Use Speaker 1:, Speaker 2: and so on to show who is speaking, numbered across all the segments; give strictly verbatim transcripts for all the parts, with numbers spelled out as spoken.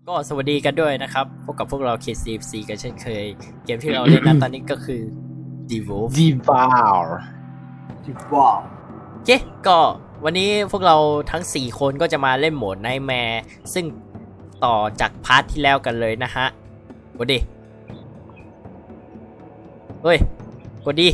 Speaker 1: ก็สวัสดีกันด้วยนะครับพบกับพวกเรา เค ซี เอฟ ซี กันเช่นเคยเกมที่เราเล่นนะตอนนี้ก็คือ Devolve
Speaker 2: ดีวาล
Speaker 3: ดีว้าว
Speaker 1: โอเคก็วันนี้พวกเราทั้งสี่คนก็จะมาเล่นโหมด Nightmare ซึ่งต่อจากพาร์ทที่แล้วกันเลยนะฮะกดดิเฮ้ยกดดิ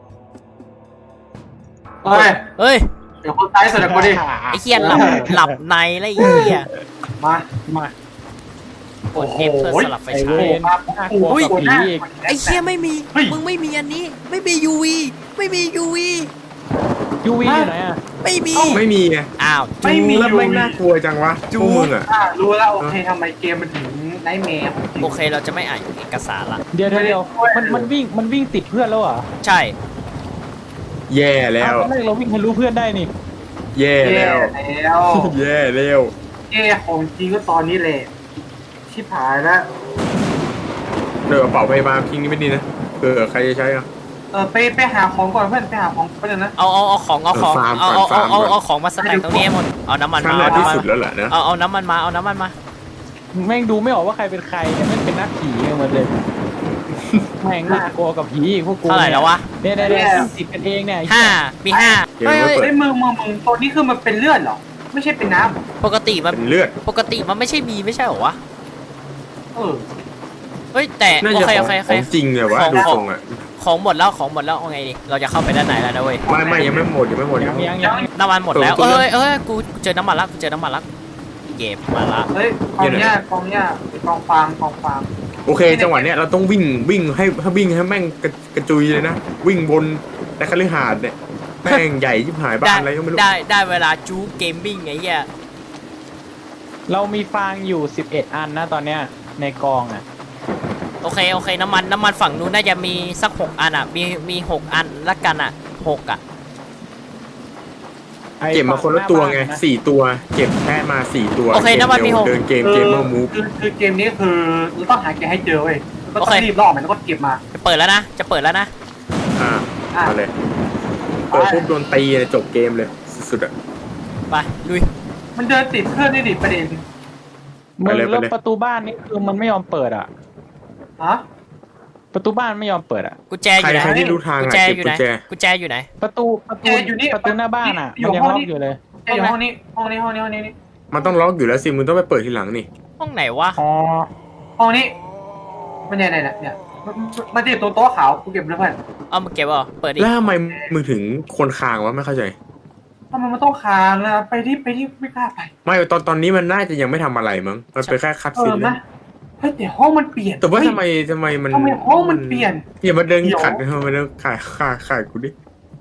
Speaker 3: เฮ้ย
Speaker 1: เฮ้ย
Speaker 3: เดี๋ยวคนซ้ายสุดกูดิ
Speaker 1: ไอ้เหี้ยหลับหลับในแล้วไอ้เหี้ย
Speaker 3: มา
Speaker 2: มาก
Speaker 1: ด F เพื่อสลับไฟ
Speaker 2: ไอ
Speaker 1: ฉา
Speaker 2: เวย นน่ากลัวกับผีอีก
Speaker 1: ไอ้เหี้ยไม่มีมึงไม่มีอันนี้ไม่มี ยู วี ไม่มี ยู วี
Speaker 2: ยูวีอยู่ไหนอ่ะ
Speaker 1: ไม่มี
Speaker 4: ไม่มีไง
Speaker 1: อ้าว
Speaker 3: ไม่มี
Speaker 4: แล้ว
Speaker 3: อยู่
Speaker 4: ไม่น่ากลัวจังวะพวกมึงอ่ะ
Speaker 3: อ่ารู้แล้วโอเคทำไมเกมมันถึงไนท์แมร์ของจริง
Speaker 1: โอเคเราจะไม่อ่านเอกสารละ
Speaker 2: เดี๋ยวเดี๋ยวเดี๋ยวมันมันวิ่งมันวิ่งติดเพื่อนแล้วเหรอ
Speaker 1: ใช่
Speaker 4: แย่แล้ว
Speaker 2: ตอนแรกเราวิ่งทะลุเพื่อนได้นี่
Speaker 4: แย่
Speaker 3: แย่
Speaker 4: แล้ว
Speaker 3: แล้ว
Speaker 4: แย่แล้ว
Speaker 3: แย่ของจริงก็ตอนนี้แหละชิบหายแล้ว
Speaker 4: เดี๋ยวกระเป๋าพยาบาลทิ้งนี่ไม่ดีนะเผื่อใครจะใช้อ่ะ
Speaker 3: เออไปไปหาของก่อนเพื่อนไปหาของก่อนนะ
Speaker 1: เอาเอาเอาของเอาของ
Speaker 4: เออฟาร์ม
Speaker 1: เอา
Speaker 4: ก่อน
Speaker 1: เอาเอา
Speaker 4: ฟาร์มก่อน
Speaker 1: เอาของมาสแต็กตรงนี้ให้หมดเอาน้ำมัน
Speaker 4: ขั้น
Speaker 1: มา
Speaker 4: แร
Speaker 1: เอา
Speaker 4: กที่
Speaker 1: น้ำมัน
Speaker 4: สุดแล้วแหละนะ
Speaker 1: เอาเอาน้ำมันมาเอาน้ำมันมา
Speaker 2: แม่งดูไม่ออกว่าใครเป็นใครเนี่ยแม่งเป็นนักผีกันหมดเลยแม่งน่ากลัวกับผีอีกพวกกู
Speaker 1: เท่าไหร่แล้ววะ
Speaker 2: เนี่ยเนี่ยเนี่ยวิ่งติดกันเองเนี่ย
Speaker 1: ห้ามีห้า
Speaker 4: เกม
Speaker 1: เฮ้ย
Speaker 4: ไม่
Speaker 1: เฮ้ย
Speaker 4: เปิ
Speaker 3: เฮ้
Speaker 4: ด
Speaker 3: ยมึงมึงมึงตัวนี้คือมันเป็นเลือดเหรอไม่ใช่เป็นน้ำเหรอ
Speaker 1: ปกติมัน
Speaker 4: เป็นเลือด
Speaker 1: ปกติมันไม่ใช่มีไม่ใช่เหรอวะ
Speaker 3: เออ
Speaker 1: เฮ้ยแต่
Speaker 4: น่า
Speaker 1: โอ
Speaker 4: จะ
Speaker 1: เค
Speaker 4: ข
Speaker 1: โอ
Speaker 4: อง
Speaker 1: เคโอ
Speaker 4: ข
Speaker 1: เค
Speaker 4: องจริงเลยวะ
Speaker 1: ของ
Speaker 4: ดู
Speaker 1: ของ
Speaker 4: ทรงอ่ะ
Speaker 1: ของหมดแล้วของหมดแล้วเอาไงดิเราจะเข้าไปด้านไหนแล้วนะเว้ย
Speaker 4: ไม่ไม่ยังไม่หมดยังไม่หมด
Speaker 2: ยั
Speaker 4: ยัง ง
Speaker 2: ยังยัง
Speaker 1: น้ำมันหมดแล้ว
Speaker 4: เออ
Speaker 1: เอ้ยเอ้ยกูเจอน้ำมันละกูเจอน้ำมันละเก็บมาละ
Speaker 3: เฮ้ยกองเนี้ยกองเนี้ยกองฟางกองฟาง
Speaker 4: โอเค จังหวะเนี้ยเราต้องวิ่งวิ่งให้ให้วิ่งให้แม่งกระกระจุยเลยนะวิ่งบนแต่คฤหาสน์เนี่ยแม่งใหญ่ชิบหายบ้า
Speaker 1: ได้
Speaker 4: นอะไรก็ไม่รู้
Speaker 1: ได้ได้เวลาจูเกมบิ้งไงเหี้ย
Speaker 2: เรามีฟางอยู่สิบเอ็ดอันนะตอนเนี้ยในกองอ่ะ
Speaker 1: โอเคโอเคน้ำมันน้ำมันฝั่งนู้นน่าจะมีสักหกอันอ่ะมีมีหกอันละกันอ่ะหกอ่ะ
Speaker 2: ไอ้
Speaker 4: เก็บมาคนละตัวไง
Speaker 2: ฝั่หน้าบ้านนะ
Speaker 4: สี่ตัวเก็บแค่มาสี่ตัว
Speaker 1: โอเคน้ำมันมีหก
Speaker 4: เดินเกม
Speaker 3: คือ
Speaker 4: เกมเมอร์มูฟ
Speaker 3: คือคือเกมนี้คือเราต้องหาแกให้เจอเว้ยก็ต้
Speaker 1: โอ
Speaker 3: อง
Speaker 1: เค
Speaker 3: รีบล่อมันแล้วก็เก็บมา
Speaker 1: จะเปิดแล้วนะจะเปิดแล้วนะ
Speaker 4: อ่า
Speaker 3: อ่ะ
Speaker 4: เอาเลยเปิดปุ๊บโดนตีเลยจบเกมเลยสุดๆอ่ะ
Speaker 1: ไปลุย
Speaker 3: มันเดินติดเพื่อนได้ดิประเด็น
Speaker 2: มึง
Speaker 4: ไปเลยไป
Speaker 2: แล้ว
Speaker 4: เลย
Speaker 2: ประตูบ้านนี่คือมันไม่ยอมเปิดอ่ะ
Speaker 3: ฮะ
Speaker 2: ประตูบ้านไม่ยอมเปิดอ่ะ
Speaker 1: กุญแจอ
Speaker 4: ใคร
Speaker 1: ยู่ไหน
Speaker 4: ใครที่รู้ทาง
Speaker 1: กุญ
Speaker 4: อ่ะ
Speaker 1: แจ
Speaker 4: เก็บ
Speaker 1: อยู่
Speaker 4: กุ
Speaker 1: ไหน
Speaker 4: ญแจ
Speaker 1: กุญแจอยู่ไหน
Speaker 2: ประตูประตูประตูหน้าบ้านอ่ะมันยังล็อกอยู่เลย
Speaker 3: ไอ้อยู่ห้องนี้ห้องนี้ห้องนี้ห้องนี้นี่
Speaker 4: มันต้องล็อกอยู่แล้วสิมึงต้องไปเปิดทีหลังนี่
Speaker 1: ห้องไหนวะ
Speaker 2: อ๋อ
Speaker 3: ห้องนี้มันเนี่ยเนี่ยเนี่ยมันมันติดตรงโต๊ะขาวกูเก็บเลยเพื่อน
Speaker 1: เอามาเก็บเหรอเปิดดิ
Speaker 4: แล้วทำไมมึงถึงคนคางวะไม่เข้าใจ
Speaker 3: ทำไมมันต้องค้างนะไปที่ไปที่ไม่กล้าไป
Speaker 4: ไม่ตอนตอนนี้มันน่าจะยังไม่ทำอะไรมั้งมันเป็นแค่คัด
Speaker 3: เอ
Speaker 4: ซี
Speaker 3: อน
Speaker 4: เล
Speaker 3: นะ
Speaker 4: ย
Speaker 3: เฮ้ยแต่ห้องมันเปลี่ยน
Speaker 4: แต่ว่า
Speaker 3: เฮ้ย
Speaker 4: ทำไมทำไมมัน
Speaker 3: ทำไมห้องมันเปลี่ยน
Speaker 4: อย่ามาเดิน
Speaker 3: เดี๋ยว
Speaker 4: ขัดทำไมเดินขายขายขายกูดิ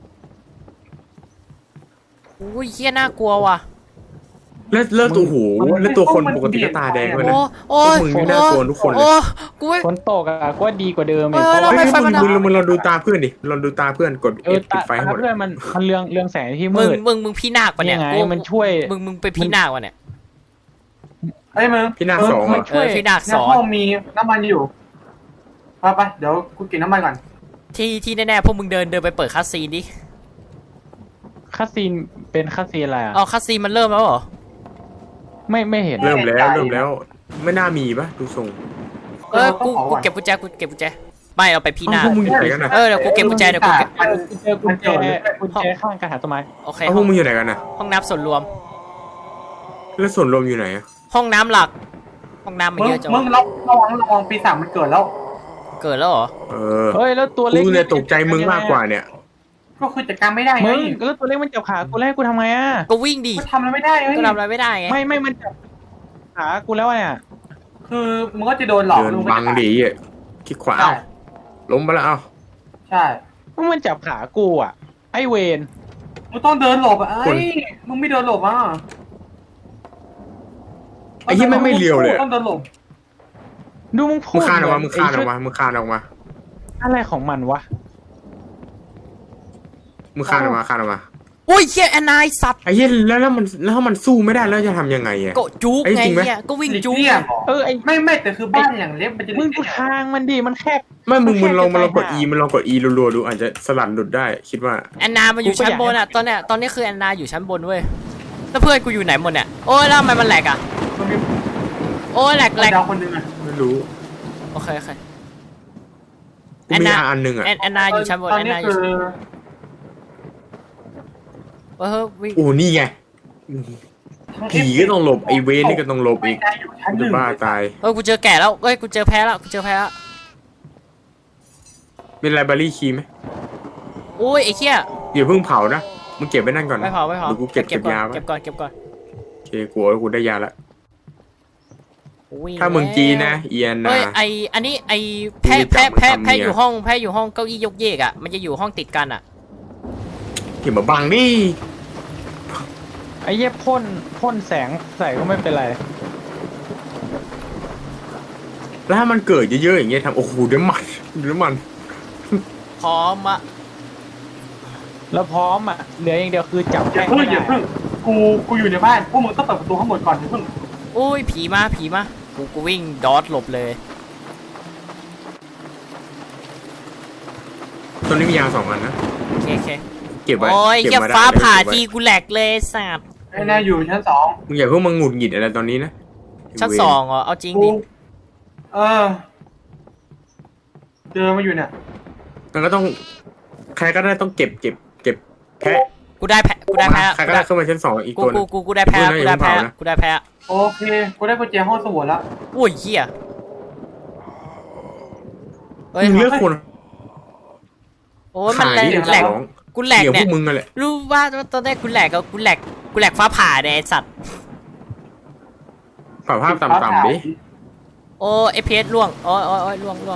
Speaker 1: อุ้ยเหี้ยน่ากลัวว่ะ
Speaker 4: แล้วแล้วตัวหูแล้วตัวคนปกติก็ตาแดงด้วย
Speaker 1: โอ้
Speaker 4: นะ
Speaker 1: โอ้ย
Speaker 4: พวกมึงนี่น่ากลัวทุกคนเลย
Speaker 1: โอ้กูไม่
Speaker 2: ฝนตกอ่ะก็ดีกว่าเดิมอีก
Speaker 1: เออ
Speaker 2: เพราะ
Speaker 1: ทำ
Speaker 2: ว่า
Speaker 1: ไฟ
Speaker 4: เฮ้ย
Speaker 1: มั
Speaker 4: มึ
Speaker 1: น
Speaker 4: งมึงมึงลองดูตาเพื่อนดิลองดูตาเพื่อนกด
Speaker 2: เอ
Speaker 4: เอ
Speaker 2: อ
Speaker 4: ฟปิ
Speaker 2: ตา
Speaker 4: ดไฟให้หมด
Speaker 2: เพื่อนมันมันเรืองเรืองแสงที่
Speaker 1: มึ
Speaker 2: มื
Speaker 1: ง
Speaker 2: ด
Speaker 1: มึงมึงพี่นาคปะเนี่ย
Speaker 2: ยังไง
Speaker 1: กู
Speaker 2: มันช่วย
Speaker 1: มึงมึงไปพี่นาควะเนี่ย
Speaker 3: เฮ้ยมึง
Speaker 4: พี่นาคสองเหรอ
Speaker 1: เออพี่นาค
Speaker 3: ใน
Speaker 1: สอน
Speaker 3: ห้องมีน้ำมันอยู่ไปไปเดี๋ยวกูกินน้ำมันก่อน
Speaker 1: ที่ที่แน่ๆพวกมึงเดินเดินไปเปิดคัสซีนดิ
Speaker 2: คาซีนเป็นคาซีนอะไรอ่ะ
Speaker 1: อ๋อคัสซีนมันเริ่มแล้วเหรอ
Speaker 2: ไม่ไม่เห็น
Speaker 4: เริ่มแล้วเริ่มแล้ว ไม่น่ามีปะดูทรง
Speaker 1: เออกูกูเก็บกุญแจกูเก็บกุญแจไม่เอาไปพี่นาค
Speaker 4: เอ้าพวกมึงอยู่ไหนกันนะ
Speaker 1: เออเดี๋ยวกูเก็บกุญแจเดี๋ยวกูเก็บ
Speaker 3: มัน
Speaker 2: เจอกุญแจกุญแจข้างกระถางต้นไม้
Speaker 1: โอเค
Speaker 4: เอ้าพ
Speaker 1: ห้
Speaker 4: ว
Speaker 1: อก ง
Speaker 4: มึงอยู่ไหนกันนะ
Speaker 1: ห้องน้ำส่วนรวม
Speaker 4: แล้วส่วนรวมอยู่ไหนอะ
Speaker 1: ห้องน้ำหลัก ห้องน้ำมัน
Speaker 3: มึง
Speaker 1: เยอะจัง
Speaker 3: มึ
Speaker 1: วะ
Speaker 3: งระระวังระวังปีศาจมันเกิดแล้ว
Speaker 1: เกิดแล้วเหรอ
Speaker 4: เออ
Speaker 2: เฮ้ยแล้วตัวเล็ก
Speaker 4: กูเนี่ยตกใจมึงมากกว่าเนี่ย
Speaker 3: ก็คือจัดการไม่ได้ไง
Speaker 2: มึงแล้วตัวเล็กมันจับขากูแล้วให้กูทำไงอ่ะ
Speaker 1: ก็วิ่งดิ
Speaker 3: ก็ทำอะไรไม่ได้เฮ้ย
Speaker 1: ก็ทำอะไรไม่ได้ไง
Speaker 2: ไม่ไม่มันจับขากูแล้วเนี่ย
Speaker 3: คือมึงก็จะโดนหลอก
Speaker 4: เดิน
Speaker 3: มึ
Speaker 4: บังดีอ่ะคิดขวา
Speaker 3: ใช่
Speaker 4: เอ้าล้มไปแล้วเอ้า
Speaker 3: ใช่
Speaker 2: มึงมันจับขากูอ่ะไอเวน
Speaker 3: มึงต้องเดินหลบอ่ะไอ้ยมึงไม่เดินหลบอ่ะ
Speaker 4: ไอ้ที่ไม่ไม่เลียวเลย
Speaker 3: ต้องเดินหลบ
Speaker 2: ดูมึงพู
Speaker 4: มึ
Speaker 2: ด
Speaker 4: งคานออกมา
Speaker 2: เห
Speaker 4: มึงคานออกมามึงคานออกมา
Speaker 2: อะไรของมันวะ
Speaker 4: มึงคานออกมาคานออกมา
Speaker 1: โอ้ยเฮียแอนนายสัตว์
Speaker 4: ไอ้เหี้ยแล้วแล้วมันแล้วถ้ามันสู้ไม่ได้แล้วจะทำยังไงอ่ะ
Speaker 1: ก็จุก
Speaker 4: ไอ้
Speaker 1: ไง
Speaker 4: จริงไหม
Speaker 1: เนี่ยก็วิ่ง
Speaker 3: หลีก
Speaker 1: จุก
Speaker 3: เลี่ยง
Speaker 2: เออไอ
Speaker 3: ไม่ไม่แต่คือบ้านอย่างเล็กมันจะ
Speaker 2: มึง
Speaker 3: หลี
Speaker 2: ดู
Speaker 3: กเลี่ย
Speaker 2: ทางมันดิมันแคบ
Speaker 4: ไม่มึงมึงลอง
Speaker 2: แค่
Speaker 4: มาลองกด
Speaker 2: จะ
Speaker 4: E
Speaker 2: ตาย
Speaker 4: มันลองกด E รัวๆดูอาจจะสลัดหลุดได้คิดว่า
Speaker 1: แอนนามันอยู่ชั้นบนอ่ะตอนเนี้ยตอนนี้คือแอนนาอยู่ชั้นบนเว้ยแล้วเพื่อนกูอยู่ไหนหมดเนี่ยโอ้ยแล้วทำไมมันแหลกอ่ะ
Speaker 3: มันมี
Speaker 1: โอ้ยแหลกแหลก
Speaker 3: ดาวคนหนึ่งอะ
Speaker 4: ไม่รู้
Speaker 1: โอเคโอเค
Speaker 4: กูมีอันหนึ่งอ่ะ
Speaker 1: แอนแอนนาอยู่ชั้นบน
Speaker 3: ตอน
Speaker 1: แอน
Speaker 3: นี้
Speaker 1: นาอยู่
Speaker 3: คือ
Speaker 1: เออวิ่ง
Speaker 4: โอ้นี่ไงผีก็ต้องหลบไอเวนนี่ก็ต้องหลบอีก
Speaker 3: ได้อยู่ชั้นห
Speaker 4: จะ
Speaker 3: นึ่ง
Speaker 4: บ้าตาย
Speaker 1: เออกูเจอแก่แล้วเอ้ยกูเจอแพ้แล้วกูเจอแพ้แล้ว
Speaker 4: เป็นไลบรารีคีย์ไหม
Speaker 1: อุ้ยไอ้เหี้ย
Speaker 4: อย่าเพิ่งเผานะมึงเก็บไว้นั่นก่อนนะ
Speaker 1: ไม่เผาไม่เผา
Speaker 4: หรือกูเก็บ
Speaker 1: เก็
Speaker 4: เก็
Speaker 1: บบ ก่อน
Speaker 4: ยาไว้
Speaker 1: เก็บก่อนเก็บก่อน
Speaker 4: โอเคกูเอากูได้ยาละ
Speaker 1: วิ่ง
Speaker 4: ถ้าเมืองจีนนะ
Speaker 1: แล้ว
Speaker 4: เอียนนะ
Speaker 1: เอ้ยไออันนี้ไอแพ้
Speaker 4: กูจะ
Speaker 1: แพ้
Speaker 4: จับมัน
Speaker 1: แพ้
Speaker 4: ทำ
Speaker 1: แพ้
Speaker 4: เมีย
Speaker 1: อยู่ห้องแพ้อยู่ห้องเก้าอี้ยกเยกอ่ะมันจะอยู่ห้องติดกันอ่ะ
Speaker 4: เก็บมาบังนี่
Speaker 2: ไอ้เหี้ยพ่นพ่นแสงใส่ก็ไม่เป็นไร
Speaker 4: แล้วถ้ามันเกิดเยอะๆอย่างเงี้ยทำโอ้โหเดี๋ยวมันเดี๋ยวมัน
Speaker 1: พร้อมอะ
Speaker 2: แล้วพร้อมอ่ะเหลืออย่างเดียวคือจับ
Speaker 3: อย่า
Speaker 2: แค่
Speaker 3: เพิ่ง
Speaker 2: ไม่
Speaker 3: อย่า
Speaker 2: ได้
Speaker 3: เพิ่งกูกูอยู่ในบ้านพวกมึงต้องเปิดประตูข้างบนก่อนอย่าเพิ่ง
Speaker 1: อุ้ยผีมาผีมากูกูวิ่งดอทหลบเลย
Speaker 4: ตัวนี้มียาสองอันนะ
Speaker 1: โอเคโอเค
Speaker 4: เก็บไว้
Speaker 1: โอ้ย
Speaker 4: เก็บ
Speaker 1: แค่
Speaker 4: มาได้
Speaker 1: ฟ้าผ่า
Speaker 4: เก็บไว้
Speaker 1: ทีกูแหลกเลยสัตว์
Speaker 3: ไอ้นายอยู่ชั้นสอง
Speaker 4: มึงอย่าเพิ่งมาหงุดหงิดอะไรตอนนี้นะ
Speaker 1: ชั้นสองเหรอเอาจริง
Speaker 3: กู
Speaker 1: ดิ
Speaker 3: เออเจอมาอยู่เนี่ย
Speaker 4: มันก็ต้องใครก็ได้ต้องเก็บเก็บเก็บแพะ
Speaker 1: กูได้แพ้กูได้แพ้
Speaker 4: ใครก็ได้ขึ้นมาชั้นสองอีก
Speaker 1: กู
Speaker 4: ตัวหนึ
Speaker 1: กู
Speaker 4: ง
Speaker 1: กูกูได้แพ้
Speaker 4: อย่า
Speaker 1: กู
Speaker 4: เพิ่ง
Speaker 1: ได้
Speaker 4: นะ
Speaker 1: แพ้
Speaker 4: อย่าเพิ่งเผานะ
Speaker 1: กูได้แพ้
Speaker 3: โอเคกูได้กุญแจห้องสมุดแล้ว
Speaker 1: อุ้ยเหี้ยเฮ้ย
Speaker 4: มึงเลือกคน
Speaker 1: โอ้ยมันแหลก
Speaker 4: ขาย
Speaker 1: แหลก
Speaker 4: ของ
Speaker 1: กูแหลก
Speaker 4: เกี่ยวพ
Speaker 1: เนี่
Speaker 4: วย กมึงกันแหละ
Speaker 1: รู้ว่าตอนแรกกูแหลกกับกูแหลกกูแหลกฟ้าผ่าเนี่ยไอ้สัตว์
Speaker 4: ปรับภาพต่ำๆดิ
Speaker 1: โอ้เอพีเอสล่วงโอ้ยโอ้ยโอ้ยล่วงล่วง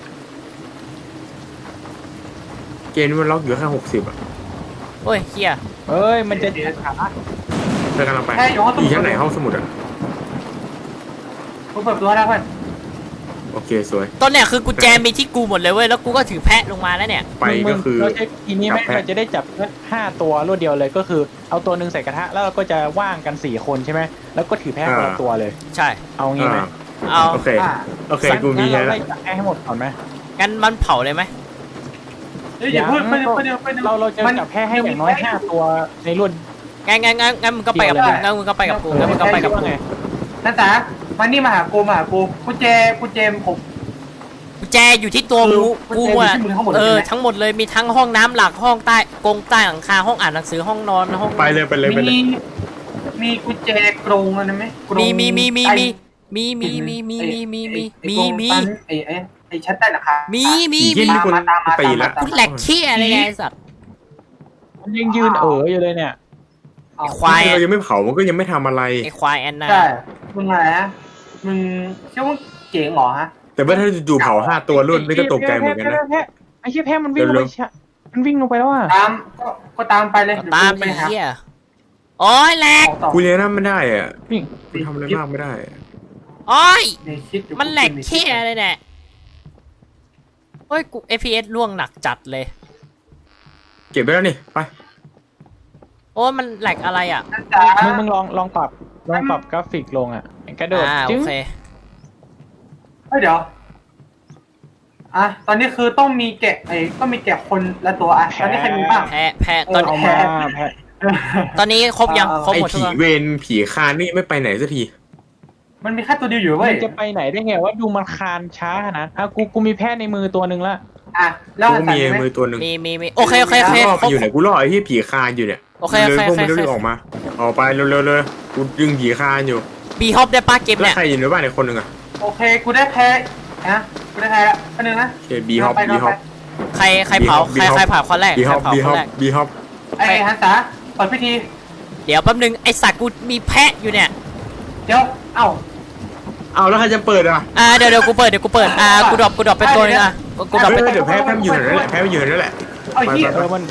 Speaker 4: เกณฑ์มันล็อกอยู่แค่หกสิบอ่ะ
Speaker 1: โอ้ยเหี้ย
Speaker 2: เอ้ยมันจะขา
Speaker 4: เธอกำลังไป
Speaker 3: แค่อยู่ห้องส
Speaker 4: อ
Speaker 3: มุด
Speaker 4: ยู่ชั้นไหนห้องสมุดอ่ะ
Speaker 3: กูเปิดประตูได้เพื่อน
Speaker 4: โอเคสวย
Speaker 1: ตอนเนี้ยคือกุญแจมีที่กูหมดเลยเว้ยแล้วกูก็ถือแพะลงมาแล้วเนี่ย
Speaker 4: ไปก็คือ
Speaker 2: เราจะทีนี้ไม่
Speaker 4: จับแพะ
Speaker 2: เราจะได้จับห้าตัวรวดเดียวเลยก็คือเอาตัวหนึ่งใส่กระทะแล้วเราก็จะว่างกันสี่คนใช่ไหมแล้วก็ถือแพะคนละตัวเลย
Speaker 1: ใช่
Speaker 2: เอางี้ไหม
Speaker 4: อ่า
Speaker 1: เอา
Speaker 4: โอเค
Speaker 3: อ่า
Speaker 4: โอเค
Speaker 2: งั้น
Speaker 4: กูมี
Speaker 2: งั้น
Speaker 4: แค่
Speaker 2: เรา
Speaker 4: ละ
Speaker 2: ไล่จับแพะให้หมดก่อนไหม
Speaker 1: งั้นมันเผาเลยไหม
Speaker 3: เฮ้ยอย่าเพิ่งไปเดี๋ยวไปเดี๋ยวไปเดี๋ยว
Speaker 2: เราเราจะจับแพะให้อย่างน้อยห้าตัวในรวด
Speaker 1: งั้นงั้นงั้นงั้นมึงก็ไปกับกูงั้นมึงก็ไปกับกูงั้นมึงก็ไปกับกู
Speaker 2: ไง
Speaker 3: นั่นจ๋ามานี่มาหากูมาหากูกุญแจกุญแจผม
Speaker 1: กุญแจอยู่ที่ตัวกูกูอ่ะเออทั้งหมดเลยมีทั้งห้องน้ำหลักห้องใต้กรงใต้หลังคาห้องอ่านหนังสือห้องนอนห้อง
Speaker 4: ไปเลยไปเลยไปเลย
Speaker 3: มีมีกุญแจกรงอะไรไหมกรง
Speaker 1: มีมีมีมี
Speaker 3: ใต้
Speaker 1: มีมีมีมีมีมีมีมีมี
Speaker 3: ไอ้ไอ้ไอ้ชั้นใต้ราคา
Speaker 1: มี
Speaker 3: มี
Speaker 1: มี
Speaker 4: ยี่
Speaker 1: มี
Speaker 4: นี่คน
Speaker 3: ตามมา
Speaker 4: ตีละ
Speaker 3: ตามมา
Speaker 1: กูแหลกเขี้ยอะไรไงไอ้สัตว์
Speaker 2: มันยังยืนเอ๋ออยู่เลยเนี่ย
Speaker 1: ไอ้ควาย
Speaker 4: เรายังไม่เผามันก็ยังไม่ทำอะไร
Speaker 1: ไอ้ควายแอนนา
Speaker 3: ใช่มึงอะไรนะมึงเชื่อว่าเจ๋งเหรอฮะ
Speaker 4: แต่ว่าถ้าจู่ๆเผาห้าตัวรุ่นนี่ก็ตกใจเหมือนกันนะ
Speaker 2: แพะไอ้เชี่ยแพะมันวิ่งลง
Speaker 4: เร็
Speaker 2: ไป
Speaker 4: ว
Speaker 2: ชะมันวิ่งลงไปแล้วอ่ะ
Speaker 3: ตามก็ก็ตามไปเลย
Speaker 1: ตาม
Speaker 3: ไป
Speaker 1: ไอ้
Speaker 3: หา
Speaker 1: เหี้ยโอ้ยแหลก
Speaker 3: ของต่อ
Speaker 4: กูเลี้ยงน้ำไม่ได้อ่ะ
Speaker 2: วิ่ง
Speaker 4: กูทำอะไรมากไม่ได้อะ
Speaker 1: โอ้ย
Speaker 3: ในคิดอยู่
Speaker 1: มันแหลกเขี้ยเลยเนี่ยโอ้ยกู เอฟ พี เอส ล่วงหนักจัดเลย
Speaker 4: เก็บไปแล้วนี่ไป
Speaker 1: โอ้ยมันแหลกอะไรอ่ะ
Speaker 3: นั่นจ๋า
Speaker 2: มึงมึงลองลองปรับลองปรับกราฟิกลงอ่ะกระโดด
Speaker 1: อ่าโอ
Speaker 2: จึ๊ง
Speaker 1: เค
Speaker 3: เฮ้ยเดี๋ยวอ่ะตอนนี้คือต้องมีแกะไอ้ต้องมีแกะคนละตัวอ่ะตอนนี้ใครมีบ้าง
Speaker 1: แพ้แพ้ตอน
Speaker 2: เอา
Speaker 1: นี้
Speaker 2: มาแพะ
Speaker 1: ตอนนี้ครบยัง
Speaker 3: เอา
Speaker 1: ครบ
Speaker 4: ไอ้
Speaker 1: หมดทุก
Speaker 4: ผี
Speaker 1: คน
Speaker 4: เวรผีคานนี่ไม่ไปไหนสักที
Speaker 3: มันมีแค่ตัวเดียวอยู่
Speaker 2: มั
Speaker 3: เว้ย
Speaker 2: นจะไปไหนได้ไงว่าดูมันคานช้าขนาดอ่ะกูกูมีแพะในมือตัวหนึ่งละ
Speaker 3: อ่ะแล้ว
Speaker 4: กู
Speaker 3: หันสัน
Speaker 4: มี
Speaker 3: ไหม
Speaker 4: มือตัวหนึ่ง
Speaker 1: มีมีมีโอเคโอเคโอเค
Speaker 4: ล่อ
Speaker 1: ค
Speaker 4: ไป
Speaker 1: รบ
Speaker 4: อยู่ไหนกูล่อไอ้ที่ผีคานอยู่เนี่ย
Speaker 1: โอเคโอเค
Speaker 4: เลยพวกมึง
Speaker 1: โอเค
Speaker 4: รีบออกมาออกไปเร็วๆเลยกูดึงผีคานอยู่
Speaker 1: บีฮอปได้ป้าเกม
Speaker 4: แล้ว
Speaker 1: เนี่ย
Speaker 4: ใครอยู่ในบ้านอีกคนหนึ่งอ่ะ
Speaker 3: โอเคกูได้แพ้นะกูได้แพ้แล้วอันนึงนะ
Speaker 4: โอเคบีฮอป
Speaker 3: ไป
Speaker 4: บีฮอป
Speaker 1: ใครใครเผา
Speaker 4: บี
Speaker 1: ใคร
Speaker 4: ฮอป
Speaker 1: ใครเผาคนแรก
Speaker 4: บี
Speaker 1: ใค
Speaker 4: ฮ
Speaker 1: ร
Speaker 4: อป
Speaker 1: เผา
Speaker 4: บี
Speaker 1: ค
Speaker 4: ฮอน ป
Speaker 1: แรก
Speaker 4: บีฮอป
Speaker 3: ไอ้ฮันสาเปิดพิธี
Speaker 1: เดี๋ยวแป๊บนึงไอสัตว์กูมีแพะอยู่เนี่ย
Speaker 3: เดี๋ยวเอ้า
Speaker 4: เอาแล้วใครจะเปิดอ่ะ
Speaker 1: อ่าเดี๋ยวเดี๋ยวกูเปิดเดี๋ยวกูเปิดอ่ากูดรอปกูดรอปเป็นตัวนึงอ่ะกูกูดรอป
Speaker 4: เฮ้
Speaker 1: เป็น
Speaker 4: ยเดี๋ยวแพ้แพ้มันอยู่แถวนั้นแหละแพ้มันอยู่แถวนั้นแหละ
Speaker 3: เอาอีกที
Speaker 2: เออมัน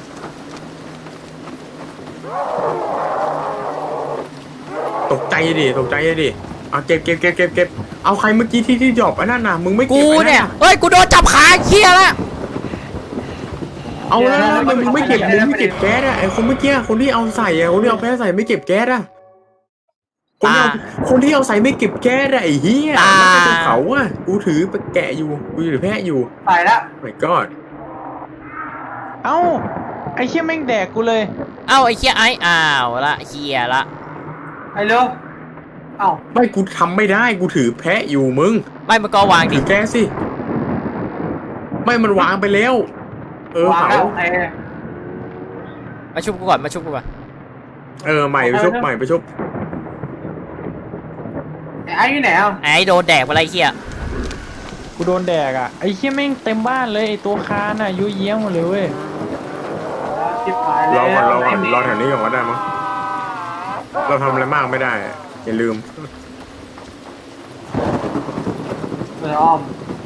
Speaker 4: ตกใจดิตกใจดิเอาเก็บเก็บเก็บเก็บเก็บเอาใครเมื่อกี้ที่ที่ดรอปอันนั้นน่ะมึงไม่เก็
Speaker 1: กู
Speaker 4: บอัน
Speaker 1: เนี่
Speaker 4: นั้
Speaker 1: ย
Speaker 4: นน่ะ
Speaker 1: เฮ้ยกูโดนจับขาเคี้ยแล้ว
Speaker 4: เอาแล้วทำไมมึงไม่เก็บมึงไม่เก็บแก๊สอ่ะไอคนเมื่อกี้คนที่เอาใส่อ่ะคนที่เอาแพ้ใส่ไม่เก็บแก๊สอ่ะคนที่เอาคนที่เอาใส่ไม่เก็บแก๊สอ่ะไอ้เหี้ยแล้วใครจะเผาอ่ะกูถือไปแกะอยู่กูถือแพะอยู่
Speaker 3: ตายละ
Speaker 4: my god
Speaker 2: เอ้าไอ้เชี่ยแม่งแดกกูเลย
Speaker 1: เอ้าไอ้เคี้ยไอ้อ้าวละเคี้ยละ
Speaker 3: ไอ้เร็วเอ้า
Speaker 4: ไม่กูทำไม่ได้กูถือแพะอยู่มึง
Speaker 1: ไม่มันก็วางดิ
Speaker 4: ถือแก๊สสิไม่มันวางไปแล้ว เออ
Speaker 3: วาง
Speaker 4: เผา
Speaker 3: แล้วโอเค
Speaker 1: มาชุบกูก่อนมาชุบกูก่อน
Speaker 4: เออใหม่ไปชุบใหม่ไปชุบ
Speaker 3: ไอ้ไอ้อยู่ไหนอ่ะ
Speaker 1: ไอ้โดนแดกอะไรเหี้ย
Speaker 2: กูโดนแดกอ่ะไอ้เหี้ยแม่งเต็มบ้านเลยไอ้ตัวคานอ่ะยุ่ยเยี่ยมหมดเลยเว้ย
Speaker 3: ชิบหายแล้
Speaker 4: ร
Speaker 3: ว
Speaker 4: อก่อนรอก่อนรอแถวนี้ก่อนก็ได้มั้งเราทำอะไรมากไม่ได้อย่าลืม
Speaker 3: เอออ้อม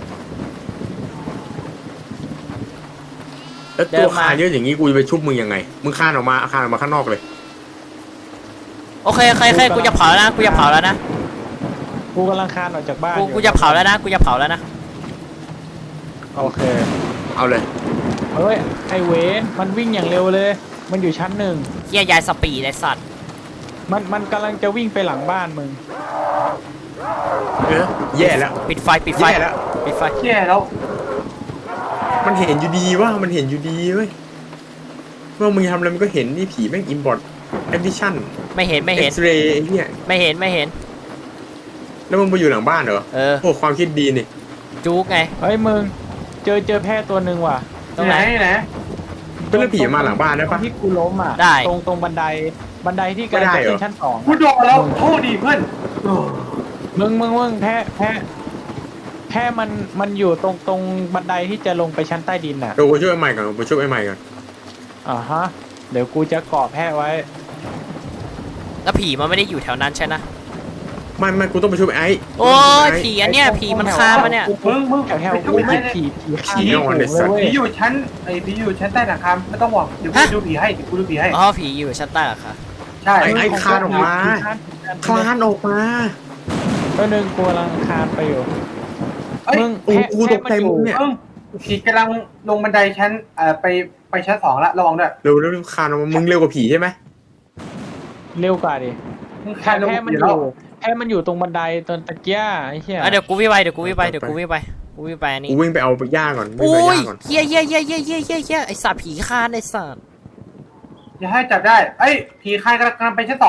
Speaker 4: แล้วตัวคานเยอะอย่างนี้กูจะไปชุบมึงยังไงมึงคานออกมาคานออกมาข้างนอกเลย
Speaker 1: โอเคโอเคโอเคกูจะเผาแล้วนะกูจะเผาแล้วนะ
Speaker 2: กูกำลังคานออกจากบ้าน
Speaker 1: กู
Speaker 2: อยู่
Speaker 1: กูจะเผาแล้วนะกูจะเผาแล้วนะ
Speaker 2: โอเค
Speaker 4: เอาเลย
Speaker 2: เฮ้ยไอเวนมันวิ่งอย่างเร็วเลย มันอยู่ชั้นหนึ่ง
Speaker 1: เหี้ยยายสปีดไอ้สัตว์
Speaker 2: มันมันกำลังจะวิ่งไปหลังบ้านมึง
Speaker 4: เออแย่แล้ว
Speaker 1: ปิดไฟปิดไฟ
Speaker 4: แย่แล้ว
Speaker 1: ปิดไฟ
Speaker 3: เชี่ยแล้ว
Speaker 4: มันเห็นอยู่ดีว่ามันเห็นอยู่ดีเว้ยเมื่อมึงทำอะไรมันก็เห็นนี่ผีแม่งอินบอร์ดแอปดิชั่น
Speaker 1: ไม่เห็นไม่
Speaker 4: เอ็
Speaker 1: เห็
Speaker 4: ก
Speaker 1: น
Speaker 4: ซ์เรย์ไอ้เหี้ย
Speaker 1: ไม่เห็นไม่เห็น
Speaker 4: แล้วมึงไปอยู่หลังบ้านเหรอ
Speaker 1: เออ
Speaker 4: โอ้ความคิดดีนี่
Speaker 1: จุกไง
Speaker 2: เฮ้ยมึงเจอเจอแพะตัวหนึ่งว่ะ
Speaker 1: ตรงไหน
Speaker 3: อยู่ไหน
Speaker 4: เป็นเรื่องผีมาหลังบ้านได้ปะ
Speaker 2: ตรงที่กูล้มอ่ะ
Speaker 1: ได้
Speaker 2: ตรงตรงบันไดบันไดที่กำลัง
Speaker 4: ไม่ได้
Speaker 2: จะ
Speaker 4: เหรอ
Speaker 2: ขึ้นชั้นสอง
Speaker 3: กูโดนแล้วโทษดีเพื่อนโอ้
Speaker 2: มึงมึงมึงแพะแพะแพะมันมันอยู่ตรงตรงบันไดที่จะลงไปชั้นใต้ดินอ่ะ
Speaker 4: เดี๋ยวกูช่วยไอ้ใหม่ก่อนกูช่วยไอ้ใหม่ก่อน
Speaker 2: อ่าฮะเดี๋ยวกูจะเกาะแพะไว้
Speaker 1: แล้วผีมันไม่ได้อยู่แถวนั้นใช่ไหม
Speaker 4: ไม่ไม่กูต้องไปช่วยไอ้
Speaker 1: โอ้ยผีอันเนี้ยผีมันคามาเนี่ย
Speaker 3: มึงมึง
Speaker 2: แถวแถว
Speaker 3: ไป
Speaker 2: กู
Speaker 3: ดู
Speaker 2: ไม่
Speaker 3: ผี
Speaker 2: ผีผีข้าง
Speaker 4: ผีนอนในสัตว์
Speaker 3: ผีอยู่ชั้นไอ้ผีอยู่ชั้นใต้หลังคาไม่ต้องห่วงเดี๋ยวกูดูผีให้เดี๋ยวกูดูผีให้
Speaker 1: อ๋อผีอยู่ชั้นใต้เหรอคะ
Speaker 3: ใช่
Speaker 4: ไอ้ไอ้คลานออกมาคลานออกมา
Speaker 2: ตัวหนึ่งกูกำลังคานไปอยู่
Speaker 3: เอ้ย
Speaker 2: มึง
Speaker 4: โอ้
Speaker 2: แพะ
Speaker 4: กูตกใจ
Speaker 2: แพะนอ
Speaker 4: มึงเนี่ย
Speaker 3: มึงผีกำลังลงบันไดชั้นเอ่อไปไปชั้นสองละระวังด้วย
Speaker 4: เร็วเร็วเร็วคลานออกมามึงเร็วกว่าผีใช่ไหม
Speaker 2: เร็วกว่าดิ
Speaker 3: มึง
Speaker 2: แพ
Speaker 3: คานลง
Speaker 2: ะมัน
Speaker 3: อยู่
Speaker 2: อ
Speaker 3: แล้ว
Speaker 2: ยู่แพะมันอยู่ตรงบันไดตอนตะเกียไอ้เหี้ย
Speaker 1: อ่ะเดี๋ยวกูวิ่งไปเดี๋ยวกูวิ่งไปเดี๋ยวกูวิ่งไปกูวิ่งไปอันนี้
Speaker 4: กูวิ่งไปเอาหญ้าก่อนวิ่ง
Speaker 1: โอ้
Speaker 4: ไปเอาห
Speaker 1: ย
Speaker 4: ญ้าก่อน
Speaker 1: เหี้ยเหี้ยเหี้ยเหี้ยเหี้ยเหี้ยเหี้ยไอสัตว์ผีคานไอสัตว์
Speaker 3: อย่าให้จับได้เอ้ยผีคานกำลังไปชั้นสอง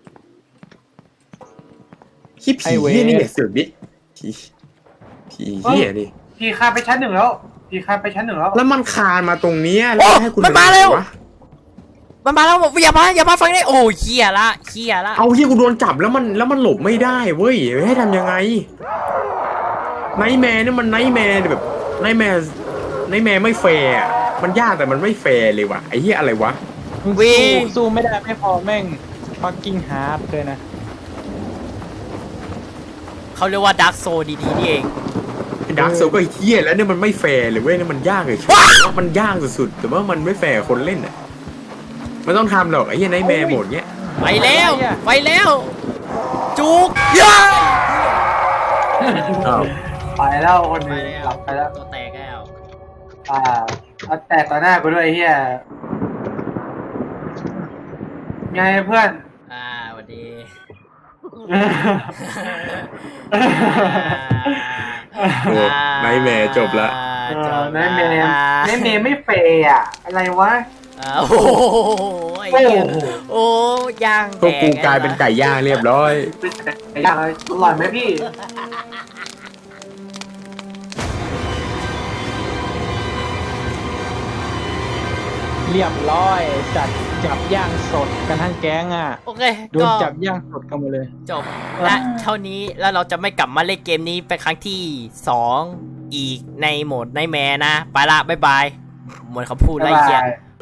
Speaker 4: ขี้ผีเหี้ยนี่เนี่ยเสือกดิผีผีเหี้ยนี่
Speaker 3: ผีคานไปชั้นหนึ่งแล้วผีคานไปชั้นหนึ่งแล้ว
Speaker 4: แล้วมันคลานมาตรงเนี้ยแล้ว
Speaker 1: โอ้
Speaker 4: ให้คุณ
Speaker 1: มันมาแล้ว
Speaker 4: ทำไงะ
Speaker 1: มันมาแล้วบอกอย่ามาอย่ามาฟังได้โอ้ยเหี้ยละเหี้ยละ
Speaker 4: เอาที่กูโดนจับแล้วมันแล้วมันหลบไม่ได้เว้ยให้ทำยังไงไนท์แมร์เนี่ยมันไนท์แมร์แบบไนท์แมร์ไนท์แมร์ไม่แฟร์อะมันยากแต่มันไม่แฟร์เลยว่ะไอ้เหี้ยอะไรวะ
Speaker 2: มึงสู้สู้ไม่ได้ไม่พอแม่งฟักกิ้งฮาร์ดเลยนะ
Speaker 1: เขาเรียกว่าดาร์กโซดีๆนี่เอง
Speaker 4: ดาร์กโซก็ไอ้เหี้ยแล้วเนี่ยมันไม่แฟร์เลยเว้ยเนี่ยมันยากเลยมันยากสุดๆแต่ว่ามันไม่แฟร์คนเล่นอ่ะมันต้องทำหรอกไอ้เหี้ยไนท์แมร์โหมดเนี้ย
Speaker 1: ไปแล้วไปแล้วจุกย่า
Speaker 4: อ้าว
Speaker 3: ไปแล้วคนหนึงหลับไปแล้ว
Speaker 1: ตัวแตกแล้ว
Speaker 3: อ่าเอาแตกต่อหน้ากูด้วยไอ้เฮียไงเพื่อน
Speaker 1: อ่าสวัสดี
Speaker 4: โอ้ไนท์แมร์จบละ
Speaker 3: เออแม่เมย์แม่เมย์ไม่เฟย์อะอะไรวะ
Speaker 1: อ่าโอ้โหไอ้เหี้ยโอ้ย่าง
Speaker 4: พวกกูกลายเป็นไก่ย่างเรียบร้อย
Speaker 3: ไอ้ย่างเลยอร่อยไหมพี่
Speaker 2: เรียบร้อยจัดจับย่างสดกันทั้งแก๊งอ่ะ
Speaker 1: โอเค
Speaker 2: โดน
Speaker 1: ก็
Speaker 2: จับย่างสดกันหมดเลย
Speaker 1: จบและเท่านี้แล้วเราจะไม่กลับมาเล่นเกมนี้เป็นครั้งที่สองอีกในโหมดในแมนะไปละบ๊ายบายหมดคำพูด
Speaker 3: บ๊า
Speaker 1: ไล่
Speaker 3: ย
Speaker 1: เกีย
Speaker 3: บาย